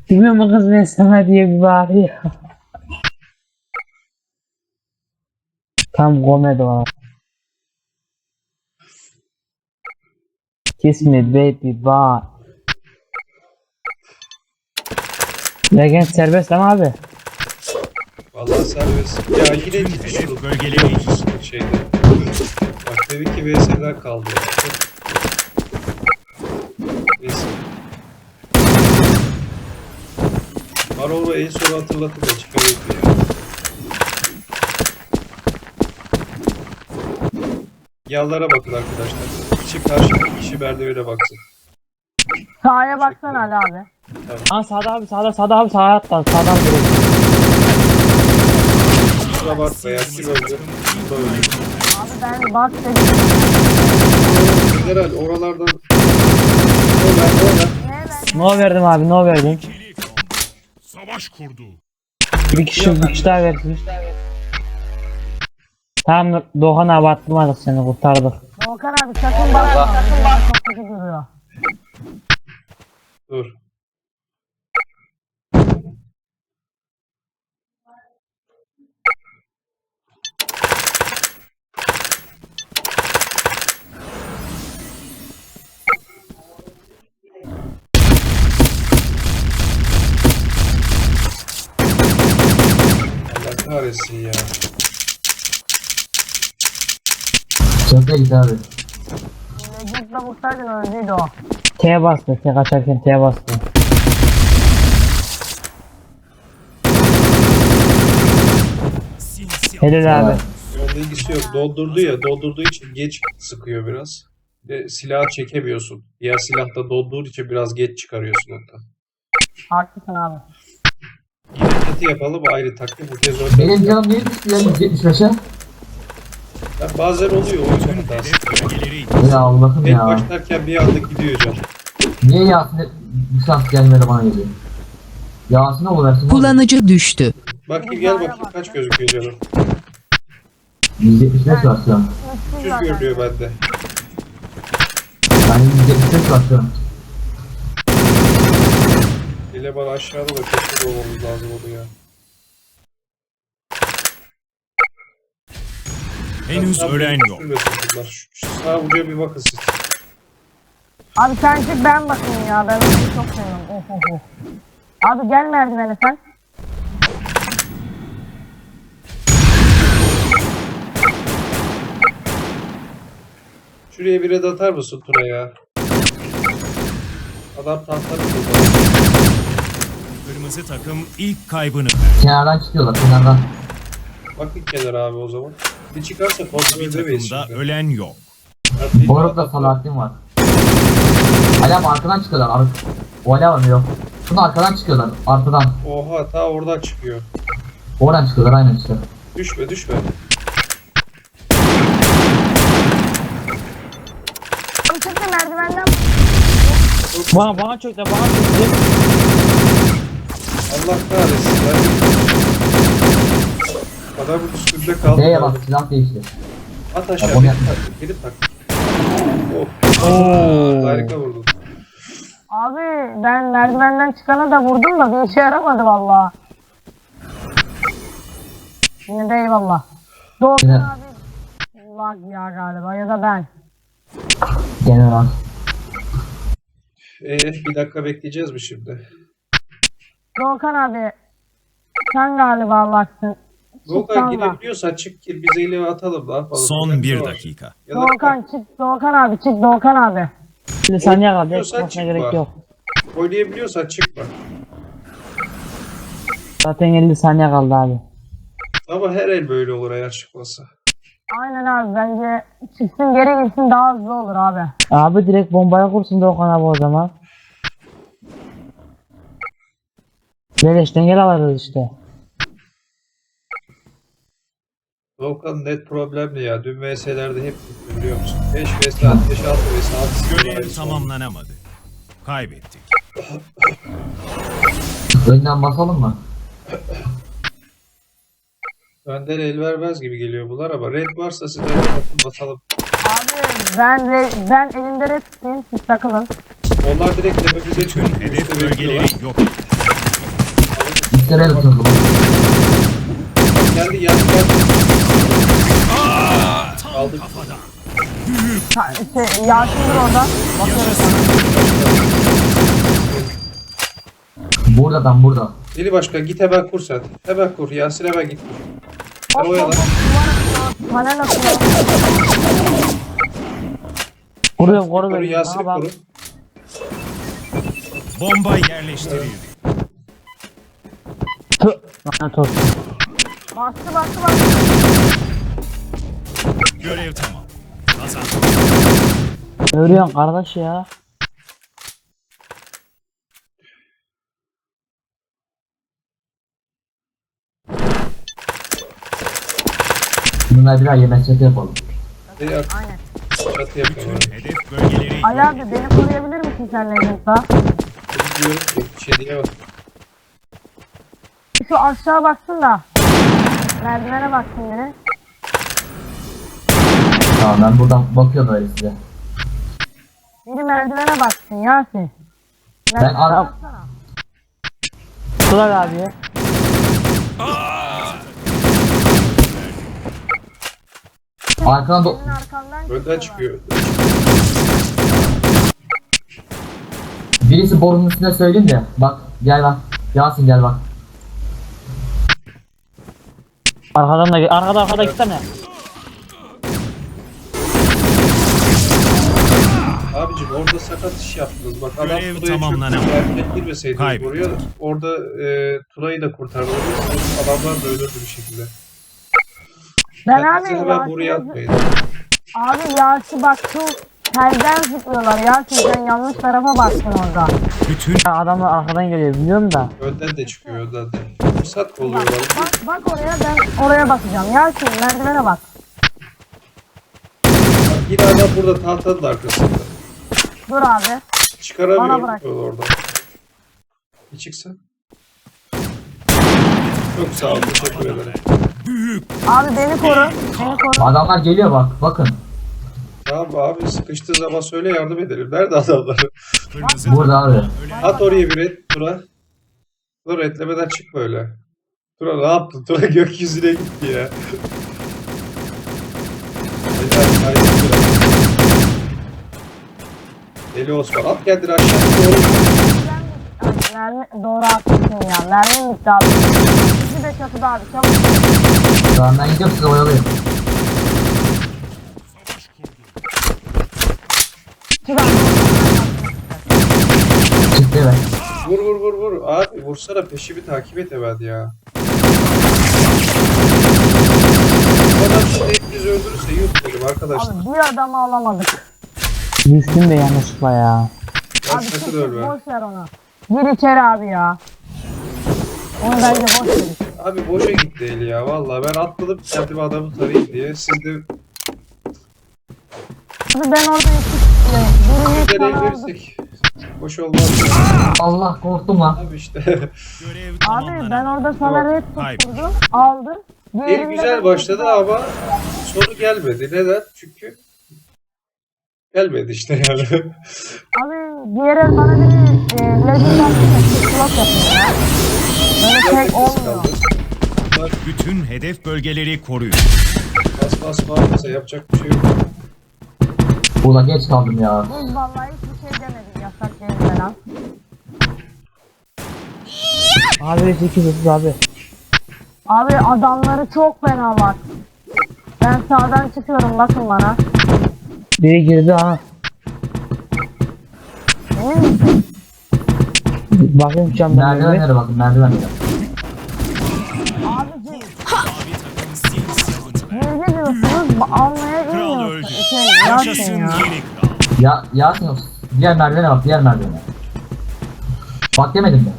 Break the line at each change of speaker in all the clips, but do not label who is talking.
Bilmiyor mu kız ben sana diye bir bağırıyor. Tam komedi var. Kiss me baby bye. Legend serbest ama abi.
Vallahi serbest. Ya yine gitmiş
Bölgeleri
şeyde. Bak dedi ki VS'ler kaldı. Ya. Neyse. Maroro en son hatırlatıp da çıkarıyordu ya. Yanlara bakın arkadaşlar. Kişi karşı kişi merdivene baksın.
Sağa baksana Ali abi.
Aa sağda abi sağda abi sağa atla sağdan direkt.
Kusura bakma ya. Kim öldü? Bu da öldü.
Abi ben bak dedim.
General oralardan oralar.
No verdim abi no verdim.
savaş kurdu.
Bir kişi daha versin. Tamam Doğan abi attırmadık seni kurtardık.
Volkan abi sakın bakma. Sakın bakma. Çok kötü duruyor.
Dur. Allah kahretsin ya.
Çöpe git abi.
Legend'la vursaydın öldüydü o.
T'ye bastı T kaçarken T'ye bastı. Helal abi.
Onun ilgisi yok. Doldurdu ya. Doldurduğu için geç sıkıyor biraz. Ve silahı çekemiyorsun. Diğer silahta dolduğu için biraz geç çıkarıyorsun hatta.
Haklısın abi.
İlketi yapalım ayrı taktik. Bu kez orada.
Benim canım niye düştü ya 175'e?
Ya bazen oluyor o yüzden hatası.
Bölgeleri
Ya Allah'ım
Tek
ya.
başlarken bir anda gidiyor can.
Niye Yasin'e bir şans gelmedi bana geliyor? Yasin'e oluversin.
Kullanıcı düştü.
Bakayım gel bakayım kaç gözüküyor canım.
175 var şu an.
300 görünüyor bende.
Yani 175 var şu an.
Eleman aşağıda da kesin olmamız lazım onu ya.
henüz
Tam
ölen
bir
yok.
sürmesin bunlar. Şu sağ ucuya bir bakın siz.
Abi sen çık ben bakayım ya. Ben onu çok seviyorum. Of of of. Abi gel merdivene sen.
Şuraya bir red atar mısın Tuna ya? Adam tahtları buldu.
Kırmızı takım ilk kaybını
Kenardan çıkıyorlar kenardan.
Bakın kenara abi o zaman. Bir çıkarsa
bir
kontrol edemeyiz
takımda
şimdi.
ölen yok.
Boruk'la Salahattin var. Hala arkadan çıkıyorlar. O hala var mı yok? Şunu arkadan çıkıyorlar. Arkadan.
Oha ta oradan çıkıyor.
Oradan çıkıyorlar aynen işte.
Düşme düşme.
Abi çık da merdivenden.
Bana çöktü bana çöktü.
Allah kahretsin ya. Adamın üstünde kaldı.
D'ye bak silah değişti.
At aşağı.
Onu
Gidip
yapma.
tak. Gidip tak. Oh. Harika vurdun.
Abi ben merdivenden çıkana da vurdum da bir işe yaramadı valla. Yine de eyvallah. Doğukan
Yine-
abi. Lag ya galiba ya da ben.
General.
Bir dakika bekleyeceğiz mi şimdi?
Doğukan abi. Sen galiba lagsın.
Volkan
Çıksan da.
gidebiliyorsan çık gir bize ile atalım ne yapalım.
Son bir
Ne var?
dakika.
Ya da
Doğukan çık. Doğukan abi çık. Doğukan abi.
50 saniye kaldı.
Diyorsan
Çıkmasına
çıkma.
gerek yok.
oynayabiliyorsan çıkma.
Zaten 50 saniye kaldı abi.
Ama her el böyle olur eğer çıkmasa.
Aynen abi bence çıksın geri gitsin daha hızlı olur abi.
Abi direkt bombaya kursun Doğan abi o zaman. Beleşten gel alırız işte.
Volkan net problemli ya. Dün VS'lerde hep gitti biliyor musun? 5 vs 5 6 vs 6
Görev tamamlanamadı. Kaybettik.
Önden basalım mı?
Önden el vermez gibi geliyor bunlar ama red varsa size bakın basalım.
Abi ben elimde red tutayım siz takılın.
Onlar direkt tepemize
Tüm
çıkıp
hedef
üstte bekliyorlar.
bölgeleri yok.
Testereye tutundu.
Geldi geldi geldi. Aldık.
Yasin dur orada. Bakıyoruz.
Burada adam burada.
Deli başkan git hemen kur sen. Hemen kur. Yasin hemen git kur. Sen oyala.
Panel atıyor.
Koru
Koru
beni.
Yasin'i
Ha, bak.
koru.
Bomba yerleştirildi.
Tüh. Lanet olsun.
Bastı.
Görev tamam. Kazandık.
Ölüyorsun kardeş ya.
Bunlar bir daha yemek çatı yapalım.
Deli at.
Aynen.
Çatı yapıyor.
Hedef bölgeleri
Ali abi beni koruyabilir misin sen Legend'da?
Diyorum ki bir şey diyemem.
Şu aşağı baksın da. Merdivene baksın biri.
Tamam ben buradan bakıyorum öyle size.
Biri merdivene baksın Yasin.
Ben ara...
baksana.
Kulak abi.
Arkadan do...
Senin arkandan
Önden
çıkıyorlar.
çıkıyor.
Birisi borunun üstüne söyleyeyim de. Bak gel bak. Yasin gel bak.
Arkadan da arkada gitsene.
Abicim orada sakat iş yaptınız. Bak adam
Görev
Tuna'yı
tamamlanamadı.
çöktü. Erken girmeseydiniz
Kaybettik.
buraya. Orada Tuna'yı da kurtarmalıyız. Adamlar da ölürdü bir şekilde.
Ben
Kendinizi
abi
hemen buraya
Yasin'i...
atmayın.
Abi Yasin bak şu telden zıplıyorlar Yasin sen yanlış tarafa baktın orada.
bütün
Adamlar arkadan geliyor biliyorum da.
Önden de çıkıyor önden de. Fırsat kolluyorlar.
Bak oraya ben oraya bakacağım. Yasin merdivene bak.
Bak yine adam burada tahtanın arkasında.
Dur abi. Bana
Çıkaramıyorum
bırak.
oradan. Bir çıksa. Çok sağ ol. Teşekkür ederim.
Abi beni koru. Beni koru.
Adamlar geliyor bak. Bakın.
Tamam abi sıkıştığı zaman söyle yardım edelim. Nerede adamlar?
kırmızı
Burada abi.
At oraya bir et Tura. Dur etlemeden çık böyle. Tura ne yaptın? Tura gökyüzüne gitti ya. Deli Osman at kendini aşağı doğru.
Ay, doğru haklısın ya. Mermi bitti abi. İkisi de çatıda abi. Çabuk.
Tamam ben gidiyorum size oyalayayım.
Şuradan.
Çıktı evet.
Vur. Abi vursana peşimi takip et hemen ya. Bu adam şimdi hepimiz öldürürse yuh dedim arkadaşlar.
Abi bir adamı alamadık.
Düştüm de yanlışlıkla ya.
Ben
Abi
sakın
çık
ölme.
boş ver onu. Gir içeri abi ya. Onu bence boş ver.
Abi boşa gitti eli ya vallahi ben atladım kendime adamı tarayayım diye. Siz de
Abi ben orada birini
bir
bana
el
aldı.
verirsek boş olmaz.
Allah korktum lan.
Abi işte
görev
Abi
tamamlanamadı.
ben orada sana red tutturdum. Aldım.
el
Diğerinde
güzel
ben-
başladı ama sonu gelmedi. Neden? Çünkü gelmedi işte yani.
Abi diğer el bana bir legend attı. Slot yapıyor ya. Böyle tek olmuyor.
Bütün hedef bölgeleri koruyun.
Bas bağırırsa yapacak bir şey yok.
Ulan geç kaldım ya.
Biz vallahi hiçbir şey demedik yasak değil falan.
Abi 8 abi.
Abi adamları çok fena var. Ben sağdan çıkıyorum bakın bana.
Biri girdi ha.
Emin misin?
Bakayım camdan.
Merdivenlere bakın merdivenlere.
Abicim
Mavi takım sil savunma.
ne diyorsunuz? Almaya
Kral öldü.
bilmiyorsun. Yasin
Yaşasın
ya.
yeni kral.
Ya Yasin diğer merdivene bak diğer merdivene. Bak demedim mi?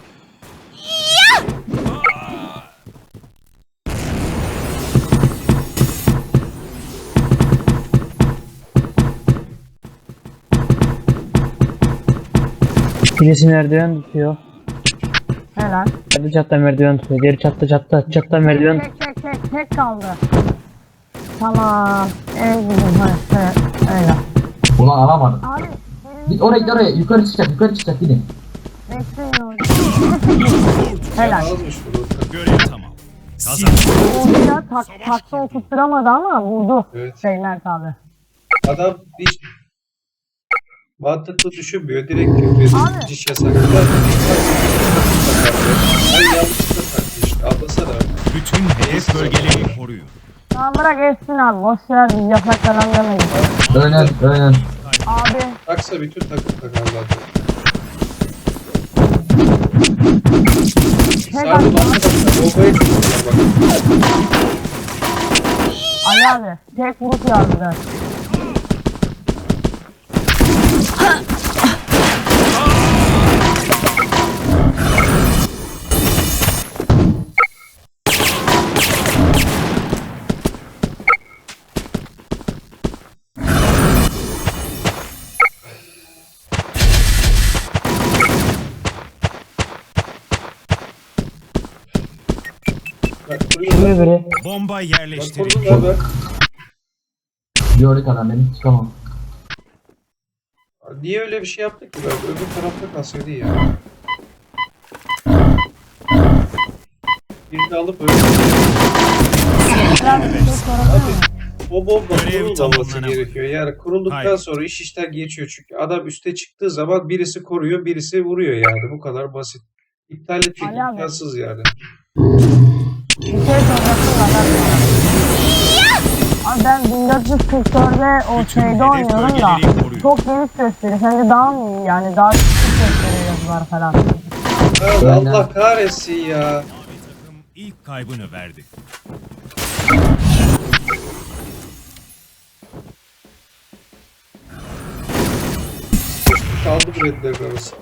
Birisi merdiven tutuyor.
Helal.
Çatı çatta merdiven tutuyor. Diğeri çatta merdiven tutuyor.
Tek kaldı. Tamam. Bizim evet, öyle.
Ulan alamadım.
Abi
Git oraya yukarı çıkacak gidin.
bekleyin orada. Helal.
Almış bunu.
Görev tamam. Kazan.
Orada takta oturtturamadı ama vurdu.
Evet.
Şeyler tabi.
Adam hiç mantıklı düşünmüyor. Direkt küfrediyor.
Abi.
Ciş yasakladı. Ben yanlışlıkla taktı işte. Anlasana.
Bütün hedef bölgeleri koruyun.
Tamam bırak etsin abi. Boş ver biz yasak falan demeyiz.
Önün.
Abi
Taksa bütün takım takar zaten.
tek
Sarı
atma.
bombaya çıkıyorlar bak.
Ali abi tek vuruş yardılar.
Bak kuruyorlar.
Şimdi biri.
Bomba
Bak
yerleştirin.
kurdular bak.
Gördük adam beni. Çıkamam.
Niye öyle bir şey yaptık ki? Ben öbür tarafta kalsaydı ya. Birini alıp öyle.
Biraz bir şey sorabilir miyim?
O bomba
Görev
kurulmaması
tamamlanamadı.
gerekiyor. Yani kurulduktan
Hayır.
sonra iş işten geçiyor. Çünkü adam üste çıktığı zaman birisi koruyor, birisi vuruyor yani. Bu kadar basit. İptal etmek
Ali abi.
imkansız yani.
Bir şey soracaktım adam. Abi ben 1444'de o
Bütün
şeyde
hedef
oynuyorum da
bölgeleri koruyun.
çok geniş gösteriyor. Sence daha mı iyi yani daha küçük gösteriyor yazılar falan.
Abi
Aynen.
Allah kahretsin ya.
Mavi takım ilk kaybını verdi.
Kaldı bu redlerin arasında.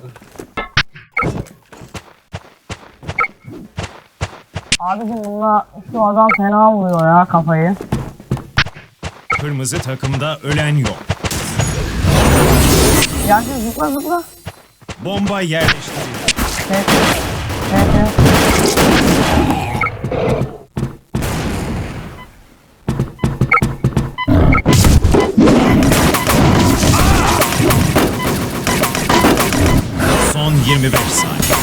Abicim bununla şu adam fena vuruyor ya kafayı.
Kırmızı takımda ölen yok.
Yasin zıpla zıpla.
Bomba yerleştirin.
Evet. Evet evet.
Son 25 saniye.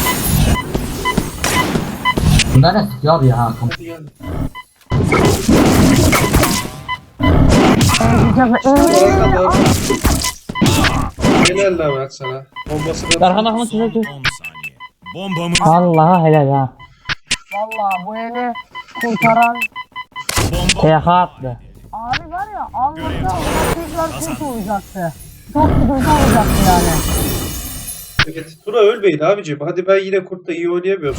Bunlar ne sıkıyor abi ya?
Hadi gel. Oraya kadar. Helal lan ben sana. Bombası da
Darhan Ahmet
Son 10
çocuk.
saniye. Bombamız
Vallahi helal ha.
Valla bu eli kurtaran
bomba
TK attı.
abi var ya almasa ona tekrar kurt olacaktı. Çok sıkıntı olacaktı yani.
Evet. Tuna ölmeyin abicim. Hadi ben yine kurtta iyi oynayamıyorum.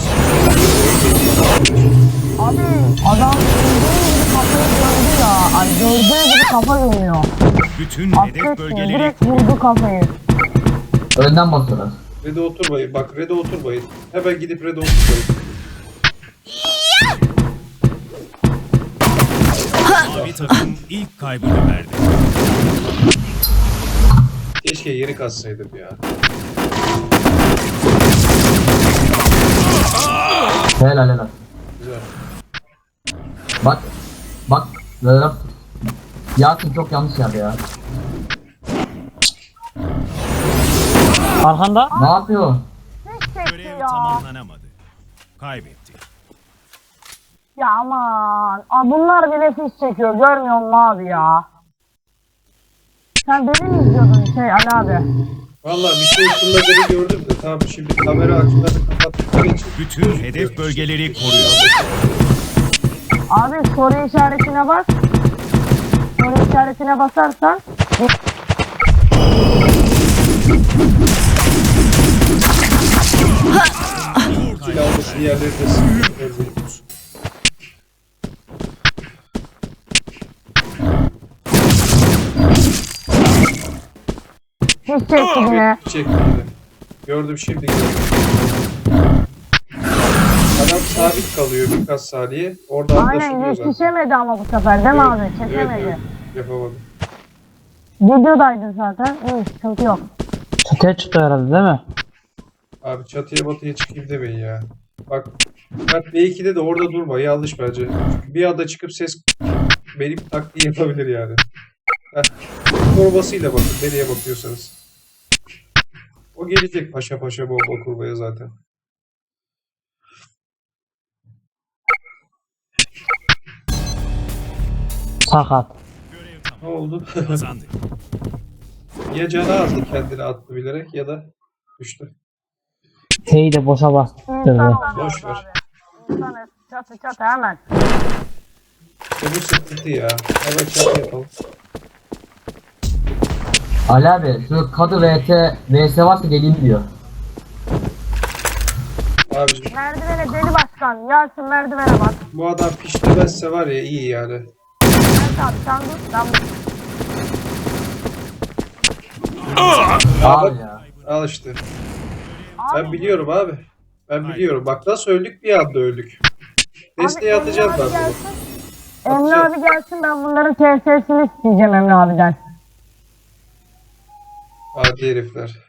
Abi adam gördüğü gibi kafayı gördü ya. Ay gördüğü gibi kafa görüyor.
bütün hedef
Affetmiyor
bölgeleri
direkt vurdu kafayı.
Önden basıyorlar.
Red'e oturmayın. Bak Red'e oturmayın. Hemen gidip Red'e oturmayın.
mavi takım ilk kaybını verdi.
Keşke yeri katsaydım ya.
Helal.
Güzel.
Bak. Böyle. Yasin çok yanlış yerde ya.
Arkanda.
Ne yapıyor?
Hiç çekti
Görev
ya.
tamamlanamadı. Kaybetti.
Ya aman. Aa, bunlar bile fiş çekiyor. Görmüyor musun abi ya? Sen beni mi izliyordun Ali abi?
Valla bir şey fırladığını gördüm de tamam şimdi kamera açılarını kapattıkları için.
Bütün hedef bölgeleri koruyor.
Abi soru işaretine bas. Soru işaretine basarsan
Silahlısı yerlerinde sıkıntı.
hiç çekti yine.
Çekti yine. Gördüm şimdi gördüm. Adam sabit kalıyor birkaç saniye. Orada
Aynen
anlaşılıyor zaten.
yetişemedi ama bu sefer değil mi abi?
Evet,
Çekemedi.
evet. Yapamadım.
Videodaydın zaten. İyi sıkıntı yok.
Çatıya çıktı herhalde değil mi?
Abi çatıya batıya çıkayım demeyin ya. Bak B2'de de orada durma. Yanlış bence. Çünkü bir anda çıkıp ses benim taktiği yapabilir yani. Heh. Korumasıyla bakın nereye bakıyorsanız. O gelecek paşa paşa bomba kurmaya zaten.
Sakat.
Görev
Ne oldu?
tamam. Kazandık.
Ya canı azdı kendini attı bilerek ya da düştü.
T'yi de boşa bastırdı.
İnsan
Boş
oluyoruz
ver.
abi. İnsanız. Çatı hemen.
İşte bu sıkıntı ya. Hemen çatı yapalım.
Ali abi şu kadı VS varsa geleyim diyor.
Abicim
Merdivene deli başkan. Yasin merdivene bak.
bu adam piştirmezse var ya iyi yani.
Evet abi sen dur. Ben
Abi ya.
Al işte. Ben biliyorum abi. Ben biliyorum. Bak nasıl öldük bir anda öldük. Desteği atacağız ben bunu.
Emre abi gelsin ben bunların TS'sini isteyeceğim Emre abiden.
Hadi herifler.